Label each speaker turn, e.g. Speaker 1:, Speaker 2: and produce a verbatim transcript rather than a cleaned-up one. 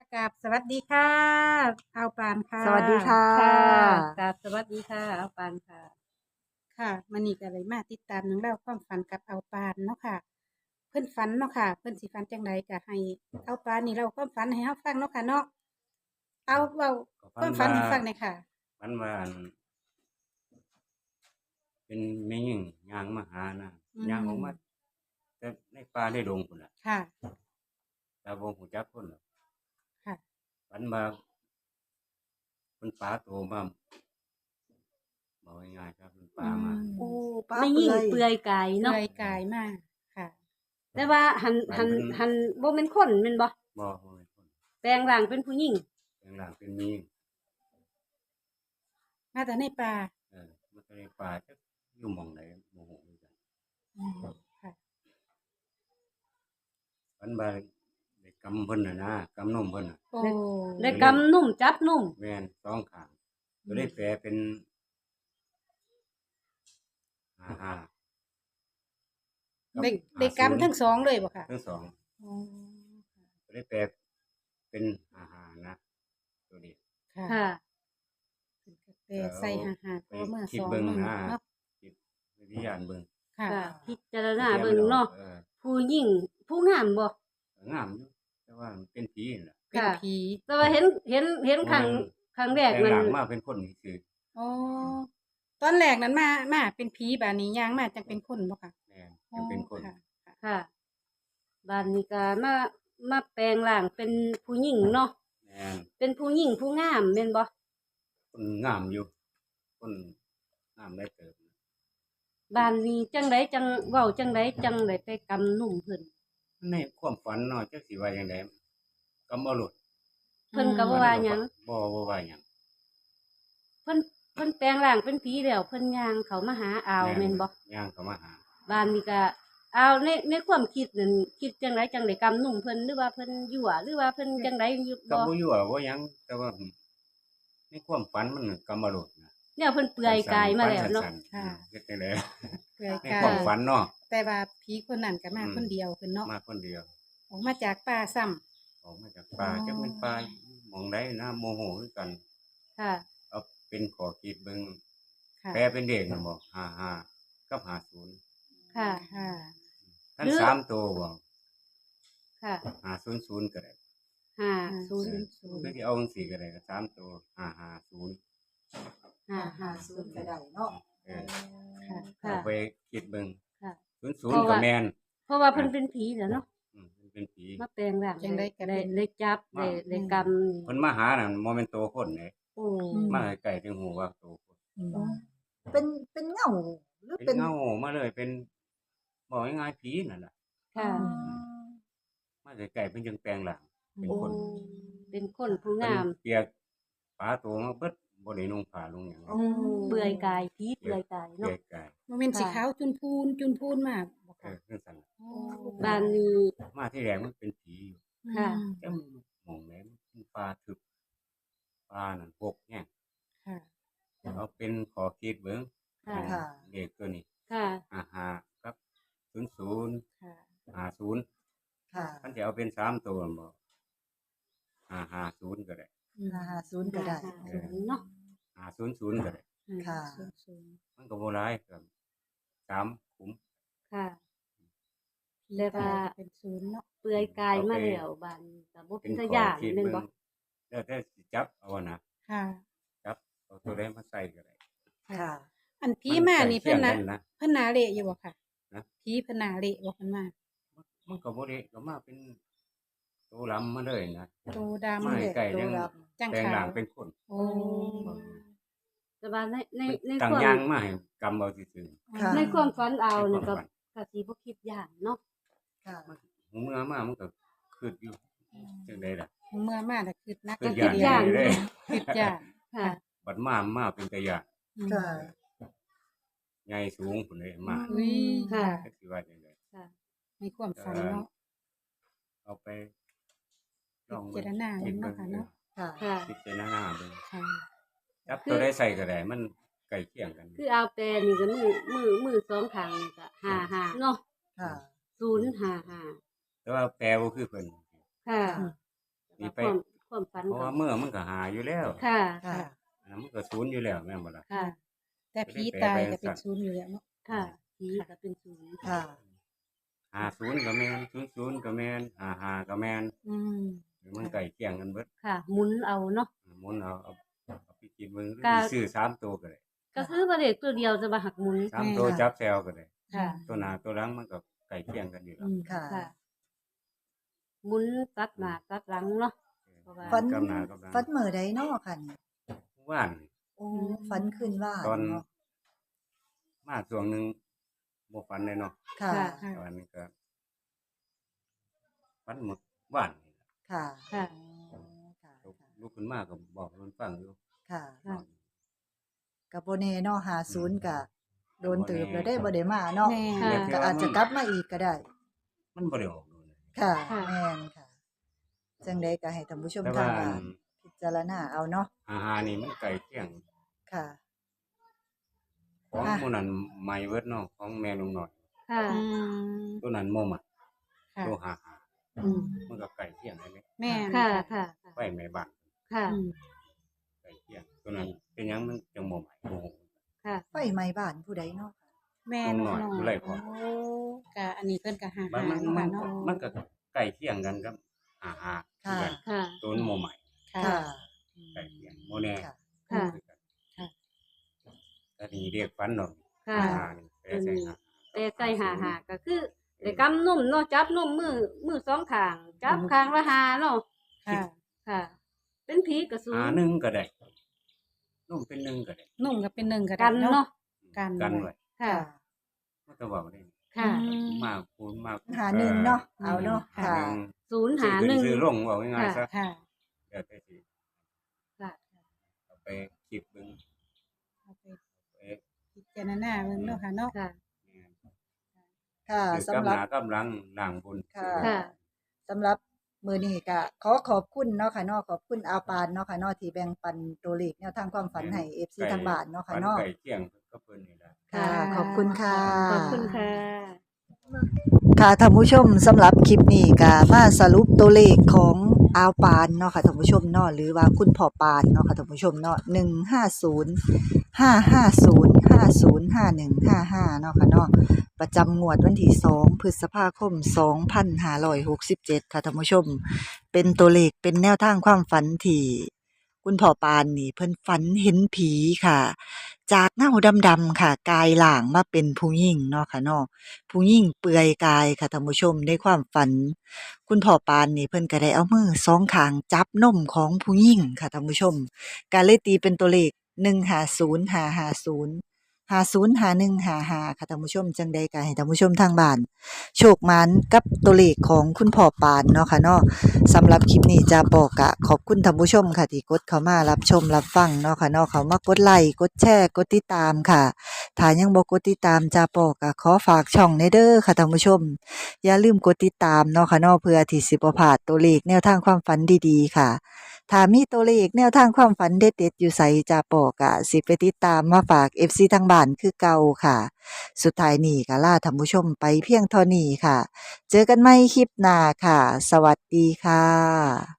Speaker 1: กราบสวัสดีค่ะเอาปานค่ะ
Speaker 2: สวัสดีค่ะ
Speaker 3: ค่ะกราบสวัสดีค่ะเอาปานค่ะ
Speaker 1: ค่ะมื้อนี้ก็เลยมาติดตามเรื่องราวความฝันกับเอาปานเนาะค่ะ เพิ่นฝันเนาะค่ะ เพิ่นสิฝันจังไดก็ให้เอาปานนี่เล่าความฝันให้เฮาฟังเนาะค่ะเนาะเอาเว้าความฝันให้ฟังหน่อยค่ะ
Speaker 4: ฝันว่าอันเป็นแม่หญิงย่างมาหานะ
Speaker 1: อืม
Speaker 4: ย่างออกมาแต่ในป่าในดงพุ่นน่ะ
Speaker 1: ค่ะ
Speaker 4: แต่บ่ฮู้จักคนหรอก
Speaker 1: ค่ะ
Speaker 4: ฝันว่าเพิ่นปลาโตมาบอกง่ายๆครับเพิ่นปลามา
Speaker 2: โอ้ป้า
Speaker 3: ไม่
Speaker 2: เปื่
Speaker 3: ยิ่ง
Speaker 2: อย
Speaker 3: เปลือยกาย
Speaker 1: เป
Speaker 3: เนาะ
Speaker 1: ลื่อยกายมากค่ะ
Speaker 3: แต่ว่าหันหันหันบ่เป็นคนแม่นบ่
Speaker 4: บ่บ่เป็นคน
Speaker 3: แปลงร่างเป็นผู้หญิง
Speaker 4: แปลงร่างเป็นแม่หญิง
Speaker 1: มาแต่ในป่า
Speaker 4: เออมันก็ในป่าจักอยู่หม่องใดบ่ฮู้คือกัน
Speaker 1: อืมค่ะ
Speaker 4: ฝันว่าได้กำเพิ่นน่ะนะกำนมเพิ่นน่ะ
Speaker 1: โอ้
Speaker 3: ได้กำนุ่มจับนุ่ม
Speaker 4: แม่นสองข้างก็เลยแปลเป็นห้าห้า
Speaker 1: ได้ได้กำทั้งสองเลยบ่ค่ะ
Speaker 4: ทั้งสอง
Speaker 1: อ๋อ
Speaker 4: ก็ได้แปลเป็นห้าห้านะตัวนี้
Speaker 1: ค่ะ
Speaker 3: ค่ะ
Speaker 1: เพิ่นก็แปลใส่หาๆเพราะว่าเมื่อ
Speaker 4: คิด
Speaker 1: สอง
Speaker 4: เบิ่ง
Speaker 1: มื้อ
Speaker 4: นะ
Speaker 1: เนาะ
Speaker 4: คิดวิทยานเบิ่ง
Speaker 1: ค่ะ
Speaker 3: ค่ะ พิจารณาเบิ่งเนาะ
Speaker 4: ออ
Speaker 3: ผู้หญิงผู้งามบ่
Speaker 4: งามอยู่แต่ว่ามันเป็นผีนั่นล่ะ
Speaker 1: เป็น
Speaker 3: ค่ะ
Speaker 1: ผี
Speaker 3: แต่ว่าเห็นเห็นเห็นครั้งครั้งแรก
Speaker 4: แต่
Speaker 3: นั้น
Speaker 4: หลังมาเป็นคนคือ
Speaker 1: อ๋อตอนแรกนั้นมามาเป็นผีบาดนี้ย่างมาจังเป็นคนบ่ค่ะ
Speaker 4: แม่นยังเป็นคน
Speaker 1: ค่ะ
Speaker 3: ค่ะบ้านนี้ก็มามาแปลงร่างเป็นผู้หญิงเนาะ
Speaker 4: แม่น
Speaker 3: เป็นผู้หญิงผู้งามแม่นบ่
Speaker 4: คนงามอยู่คนงามได้เติบ
Speaker 3: บ้านนี้จังไดจังเว้าจังไดจังได้ไปกำนุ่มเพิ่น
Speaker 4: ในความฝันเนาะจักสิว่าจังไดก็บ่รู้
Speaker 3: เพิ่นก็บ่ว่าหยัง
Speaker 4: บ่บ่ว่าหยัง
Speaker 3: เพิ่นเพิ่นแปลงร่างเป็นผีแล้วเพิ่นย่างเขามาหาอาวแม่นบ่
Speaker 4: ย่างเข้ามาหา
Speaker 3: บ้านนี้ก็อาวในในความคิดนั่นคิดจังไดจังไดกำนุ่มเพิ่นหรือว่าเพิ่นยั่วหรือว่าเพิ่นจังไดอยู่
Speaker 4: ก็
Speaker 3: บ่
Speaker 4: บ่อยู่ว่าบ่หยังแต่ว่าในความฝันมันก็บ่รู้นะ
Speaker 3: เนี่ยเพิ่นเปลือยกายมาแล้วเนาะ
Speaker 4: ฝัสั้ๆ
Speaker 1: ค่ะ
Speaker 4: เฮ็ดจังได๋
Speaker 1: เปลือย
Speaker 4: ใน
Speaker 1: กา
Speaker 4: ความ
Speaker 1: ย
Speaker 4: ฝันเนาะ
Speaker 1: แต่ว่าผีคนนั้นก็มา
Speaker 4: อืม
Speaker 1: คนเดียวเพิ่นเนาะ
Speaker 4: มาคนเดียว
Speaker 1: ออกมาจากป่าซ้ำ
Speaker 4: ออกมาจากป่า
Speaker 1: อ๋อ
Speaker 4: จักเป็นป่าหมองใดนะโมโหคือกัน
Speaker 3: ค่ะ
Speaker 4: เอาเป็นขอคิดเบิ่ง
Speaker 1: ค่ะ
Speaker 4: แปลเป็นเด็กนะบ่ห้าห้ากับห้าศูนย์
Speaker 3: ค่ะ
Speaker 1: ค่ะ
Speaker 4: ทั้ง
Speaker 3: หรือ
Speaker 4: สามตัวบ่
Speaker 3: ค่ะ
Speaker 4: ห้าศูนย์ศูนย์ก็ได้
Speaker 3: ห้า
Speaker 1: ศู
Speaker 3: ศู
Speaker 1: น
Speaker 3: น
Speaker 1: ย์
Speaker 3: ย์
Speaker 1: ศูนย์
Speaker 4: หรือที่เอาจังซี่ก็ได้ก็สามตัวห้าห้าศูนย์
Speaker 3: ห้า
Speaker 2: ห้า
Speaker 3: ห้า
Speaker 2: ศู
Speaker 3: ศู
Speaker 2: น
Speaker 3: น
Speaker 2: ย์
Speaker 3: ย์
Speaker 2: ก็ได้เนาะ
Speaker 4: เออ
Speaker 1: ค่ะ
Speaker 3: ค่ะ
Speaker 4: เอาไปคิดเบิ่ง
Speaker 3: ค่ะ
Speaker 4: ศูนย์ศูนย์ก็แม่น
Speaker 3: เพราะว่าเพิ่นเป็นผีแล้วเนาะ
Speaker 4: อืมมันเป็นผี
Speaker 3: มาแปลงร่าง
Speaker 1: จังได๋ก็
Speaker 3: ได้
Speaker 1: เป็น
Speaker 3: ได้จับได้ได้กำ
Speaker 4: เพิ่นมาหาน่ะบ่แม่นโตคนเด้
Speaker 3: โอ้
Speaker 4: มาใกล้ๆถึงหูว่าโตคน
Speaker 2: เป็นเป็นเงาหรือ
Speaker 4: เป็
Speaker 2: เป็น น
Speaker 4: เงามาเลยเป็นบอกง่ายๆผีนั่นน่ะ
Speaker 3: ค่ะ
Speaker 4: มาใกล้ๆเพิ่นจึงแปลงร่างเป็น
Speaker 3: โอ้
Speaker 4: คน
Speaker 3: เป็นคนผู้
Speaker 4: เพิ่น
Speaker 3: งาม
Speaker 4: เปียกฝาตัวมาเบิดบ่ได้นุ่งผ้านุ่งหยัง
Speaker 3: เปลือยกายผีเปลือยกาย
Speaker 4: เปี
Speaker 3: เนาะ
Speaker 4: ยกกาย
Speaker 1: บ่แม่นสีขาวจุนพูนจุนพูนมากบ่
Speaker 4: เอ
Speaker 1: ค่ะ
Speaker 4: อจังซั่นล่ะ
Speaker 1: โอ้
Speaker 3: บ้านนี้
Speaker 4: มาที่แรกมันเป็นผีอยู่
Speaker 3: ค่ะ
Speaker 4: แต่มันมองแม่นมันป่าทึบป่านั่นพกแฮง
Speaker 1: ค่ะ
Speaker 4: เอาเป็นขอคิดเบิ่ง
Speaker 3: ค่ะ
Speaker 2: ค่ะ
Speaker 4: เลขตัวนี้
Speaker 3: ค่ะ
Speaker 4: ห้าห้าครับศูนย์ศูนย์
Speaker 1: ค่ะ
Speaker 4: ห้าศูนย์
Speaker 2: ค่ะ
Speaker 4: คันสิเอาเป็นสามตัวบ่ห้าห้าศูนย์ก็ได้
Speaker 1: อืม
Speaker 2: ห้าศูนย์ก็ได้
Speaker 3: ศูนย์เนาะ
Speaker 4: ห้าศูนย์ศูนย์ก็ได้
Speaker 2: ค่ะ
Speaker 1: ศูนย์ศูนย์
Speaker 4: มันก็บ่หลายครับสามขุม
Speaker 3: ค่ะ
Speaker 1: ผี
Speaker 3: แต่ว่า
Speaker 1: ตายเป็นศูนย์เนาะ
Speaker 3: เปลือยกายมาแล้วบ้านนี้ก็บ่
Speaker 4: เป็
Speaker 3: เป็น น
Speaker 4: ข
Speaker 3: ตา
Speaker 4: อ
Speaker 3: ย้าน
Speaker 4: คิด
Speaker 3: แม่น
Speaker 4: เบิ่
Speaker 3: บ่
Speaker 4: งแล้วแต่สิจับเอานะ
Speaker 1: ค่ะ
Speaker 4: จับเอาตัวใดมาใส่ก็ได้
Speaker 2: ค่ะ
Speaker 1: อันผีมานี่
Speaker 4: ใกล้
Speaker 1: เพิ่นน่ะ
Speaker 4: คียงกันะ
Speaker 1: เพิ่นหนาเละอยู่บ่ค่ะ
Speaker 4: นะ
Speaker 1: ผีเพิ่นหนาเละบ่เพิ่นมา
Speaker 4: มันก็บ่ได้ก็มาเป็นตัวลำมาเลยนะ
Speaker 1: โตดำ
Speaker 4: มา
Speaker 1: เลย
Speaker 4: ใกล้ๆยัง
Speaker 1: จัง
Speaker 4: แปลง
Speaker 1: ขา
Speaker 4: ร่าว งเป็นคน
Speaker 1: โอ้
Speaker 3: แต่ว่าในในใน
Speaker 4: ต่าง
Speaker 3: ความ
Speaker 4: ยางมาให้กำเอาซื่อ
Speaker 2: ค่ะ
Speaker 3: ในความฝันเอา
Speaker 4: ๆ
Speaker 3: นี่ก็
Speaker 4: ให้ความฝัน
Speaker 3: ก็สิบ่คิดย่านเนาะ
Speaker 2: ค่ะ
Speaker 4: หูเมื่อมามันก็คืดอยู่จังได๋ล่ะ
Speaker 1: เมื่อมาแต่คิดนัก
Speaker 4: คืด
Speaker 1: คิด
Speaker 4: ย่าน
Speaker 1: เดียว
Speaker 4: เลย
Speaker 1: คิดย่าน
Speaker 3: ค่ะ
Speaker 4: บัดมามาเป็นตะยาน
Speaker 1: อืม
Speaker 2: ค่ะ
Speaker 4: ใหญ่สูงพุ่นเลยมา
Speaker 1: อุ้ย
Speaker 3: ค่ะ
Speaker 4: จักสิว่าจังได๋
Speaker 3: ค่ะ
Speaker 1: ในความฝันเนาะ
Speaker 4: เอาไป
Speaker 1: พิจารณาเบิ่งเนาะค่ะเนาะ
Speaker 2: ค่ะ
Speaker 3: ค่ะ
Speaker 4: พิจารณาเบิ่ง
Speaker 1: ค่ะ
Speaker 4: จับตัวได้ใส่ก็ได้มันใกล้เคียงกัน
Speaker 3: คือเอาแปลนี่ก็มือมือมือสองข้างนี่ก็ห้าห้าเนาะ
Speaker 2: ค่ะ
Speaker 3: ศูนย์ห้าห้า
Speaker 4: แต่ว่าแปลบ่คือเพิ่น
Speaker 3: ค่ะ
Speaker 4: นี่ไป
Speaker 3: ความความฝัน
Speaker 4: เพราะ
Speaker 3: ก็
Speaker 4: ว่าเมื่อมันก็หาอยู่แล้ว
Speaker 3: ค่ะ
Speaker 2: ค่ะ
Speaker 3: ค่ะ
Speaker 4: อันนั้นมันก็ศูนย์อยู่แล้วแม่นบ่ล่ะ
Speaker 3: ค่ะ
Speaker 1: แต่ผีตายก็เป็นศูนย์อยู่แล้วเนาะ
Speaker 3: ค่ะผีก็เป็นศูนย์
Speaker 2: ค่ะ
Speaker 4: ห้าศูนย์ก็แม่นศูนย์ศูนย์ก็แม่นห้าห้าก็แม่น
Speaker 1: อืม
Speaker 4: มันใกล้เคียงกันเบิด
Speaker 3: ค่ะหมุนเอาเนาะ
Speaker 4: หมุนเอาเอาเอาไปคิดเบิ่งหรือ
Speaker 3: ก็
Speaker 4: สิซื้อสามตัวก็ได้
Speaker 3: ก็คือว่าเด็กตัวเดียวจะมาหักหมุน
Speaker 4: สามตัวจับแซวก็ได้
Speaker 3: ค่ะ
Speaker 4: ตัวหน้าตัวหลังมันก็ใกล้เคียงกันอยู่แล้
Speaker 1: อื
Speaker 4: ว
Speaker 1: ม
Speaker 2: ค่ะ
Speaker 3: ค่ะหมุนตัดหน้าตัดหลังเนาะ เพราะว่า
Speaker 2: ฝัน
Speaker 4: กับหน้ากับหลัง
Speaker 2: ฝันมื้อใดเนาะค่ะนี่
Speaker 4: ว่าน
Speaker 2: โอ้ฝันคืนว่าน
Speaker 4: ตอน
Speaker 2: เนาะ
Speaker 4: มาช่วงหนึงบ่ฝันเลยเนาะ
Speaker 2: ค่ะ
Speaker 3: ค่ะ
Speaker 1: ค่ะ
Speaker 4: ตอนนี้ก็ฝันหมดว่านนี่ล่ะ
Speaker 2: ค่ะ
Speaker 3: ค่ะ
Speaker 2: อ๋อค่ะ
Speaker 4: ลุกขึ้นมาก็บอกมันฟังอยู่
Speaker 2: ค่ะ
Speaker 3: ค่ะ
Speaker 2: กับโบเน่เนาะหาศูนย์กะโดนตืบแล้วได้บ่ได้มาเนาะ
Speaker 1: แม่
Speaker 3: ค่ะ
Speaker 2: ก็อาจจะกลับมาอีกก็ได้
Speaker 4: มันบ่ได้ออกโดนเลย
Speaker 2: ค่ะ
Speaker 3: ค่ะ
Speaker 2: แม่นค่ะจังใดก็ให้ท่านผู้ชม
Speaker 4: แต่
Speaker 2: ทา
Speaker 4: ว่าง
Speaker 2: บ้านพิจารณาเอาเนาะ
Speaker 4: อาหารนี่มันใกล้เคียง
Speaker 2: ค่ะ
Speaker 4: ของ
Speaker 2: อ่ะ
Speaker 4: หมู่นั้นใหม่เบิดเนาะของแม่ลุงน้อย
Speaker 3: ค่ะ
Speaker 1: อืม
Speaker 4: ตัวนั้นบ่มัก
Speaker 1: ค่ะ
Speaker 4: ตัวหาหา
Speaker 1: อืม
Speaker 4: มันก็ใกล้เคียงกันเลย
Speaker 1: แม่น
Speaker 3: ค่ะ ค่ะ
Speaker 4: ไฟแม่บ้าน
Speaker 3: ค่ะ
Speaker 1: อืม
Speaker 4: ใกล้เคียงตัวนั้นเป็นหยังมันจังบ่ใหม่บ่ฮู้
Speaker 3: ค่ะ
Speaker 2: ไฟไหม้บ้านผู้ใดเนาะ
Speaker 1: แม่
Speaker 4: น้องน้อยผู้ไร้พ่อ
Speaker 1: โอ้กะอันนี้เพิ่นก็หา
Speaker 4: มัน
Speaker 1: หา
Speaker 4: มัน
Speaker 1: เนาะ
Speaker 4: มั
Speaker 1: ค่ะ
Speaker 4: น
Speaker 1: เนาะ
Speaker 4: มันก็ใกล้เคียงกันกับหาหา
Speaker 2: ค่ะ
Speaker 3: ค่ะ
Speaker 4: ตัวนั้นบ่ใหม่
Speaker 1: ค่ะ
Speaker 2: ค่ะ
Speaker 4: ใกล้เคียงบ่แน่
Speaker 2: ค่ะ
Speaker 3: ค่ะ
Speaker 1: ค่ะ
Speaker 4: แต่นี่เรียกฝันดอก
Speaker 3: ค่ะ
Speaker 4: หาหานี่แปลใส่หา
Speaker 3: แต่ใส่หาหาก็คือได้กำนุ่มเนาะจับนุ่มมือมือสองข้าง จับข้างละหาเนาะ
Speaker 1: ค่ะ
Speaker 3: ค่ะ เป็นผีกระสู
Speaker 4: หาหนึ่งก็ได้นุ่มเป็นหนึ่งก็ได้
Speaker 1: นุ่มก็เป็นหนึ่งก็ได้
Speaker 3: กันเนาะ
Speaker 1: กัน
Speaker 4: กันไว้
Speaker 3: ค่ะ
Speaker 4: มันก็เว้าได้
Speaker 3: ค่ะ
Speaker 1: อืม
Speaker 4: มากคูณมาก
Speaker 2: หาหนึ่งเนาะเอาเนาะ
Speaker 1: ค่ะ
Speaker 2: ค่ะ
Speaker 4: หนึ่ง
Speaker 3: ศูนย์
Speaker 4: ซื้อ
Speaker 3: หา
Speaker 4: ขึ้
Speaker 3: หนึ่ง
Speaker 4: ซื้อลงเว้าง่ายๆซะ
Speaker 1: ค่ะ
Speaker 4: เดี๋ยวแต่สิ
Speaker 3: ค่ะ
Speaker 4: เอาไปคิดเบิ่ง
Speaker 1: เอาไป
Speaker 4: ไป
Speaker 1: พิจารณาเบิ่งเนาะค่ะเนาะ
Speaker 3: ค่ะ
Speaker 2: ค่ะ
Speaker 4: คือ
Speaker 2: สำหรับ
Speaker 4: กำหากำลังล่างบุญ
Speaker 2: ค่ะ
Speaker 3: ค่ะ
Speaker 2: สำหรับมื้อนี้ก็ขอขอบคุณเนาะค่ะเนาะขอบคุณอาวปานเนาะค่ะเนาะที่แบ่งปันตัวเลขแนวทางความฝันให้ เอฟ ซี ทางบ้านเนาะค่ะเนาะ
Speaker 4: ฝัไก่เที่ยงก็เพิ่นนี่ล่ะ
Speaker 2: ค่ะ ขอบคุณค่ะ
Speaker 3: ขอบคุณค่ะ
Speaker 2: ค่ะท่านผู้ชมสำหรับคลิปนี้ก็มาสรุปตัวเลขของอาวปานเนาะค่ะท่านผู้ชมเนาะหรือว่าคุณพ่อปานเนาะค่ะท่านผู้ชมเนาะหนึ่งห้าศูนย์ ห้าห้าศูนย์ ห้าศูนย์ห้าหนึ่งห้าห้าเนาะค่ะเนาะประจำงวดวันที่สองพฤษภาคมสองพันห้าร้อยหกสิบเจ็ดค่ะท่านผู้ชม เป็นตัวเลขเป็นแนวทางความฝันที่คุณพ่อปานนี่เพิ่นฝันเห็นผีค่ะ จากเงาดำๆค่ะ กายหล่างมาเป็นผู้หญิงเนาะค่ะเนาะผู้หญิงเปลือยกายค่ะท่านผู้ชมในความฝัน คุณพ่อปานนี่เพิ่นก็ได้เอามือสองข้างจับนมของผู้หญิงค่ะท่านผู้ชมก็เลยตีเป็นตัวเลขหนึ่งห้าศูนย์ ห้าห้าศูนย์ ห้าศูนย์ ห้าหนึ่ง ห้าห้าค่ะท่านผู้ชมจังใดก็ให้ท่านผู้ชมทางบ้านโชคหมานกับตัวเลขของคุณพ่อปานเนาะค่ะเนาะสำหรับคลิปนี้จะบอกกะขอบคุณท่านผู้ชมค่ะที่กดเข้ามารับชมรับฟังเนาะค่ะเนาะเขามากดไลค์กดแชร์กดติดตามค่ะถ้ายังบ่กดติดตามจะบอกกะขอฝากช่องในเด้อค่ะท่านผู้ชมอย่าลืมกดติดตามเนาะค่ะเนาะเพื่อที่สิบ่พลาดตัวเลขแนวทางความฝันดีๆค่ะถ้ามีตัวเลขแนวทางความฝันเด็ดๆอยู่ไสจะบอกกะสิไปติดตามมาฝาก เอฟ ซี ทางบ้านคือเก่าค่ะสุดท้ายนี้ก็ลาท่านผู้ชมไปเพียงเท่านี้ค่ะเจอกันใหม่คลิปหน้าค่ะสวัสดีค่ะ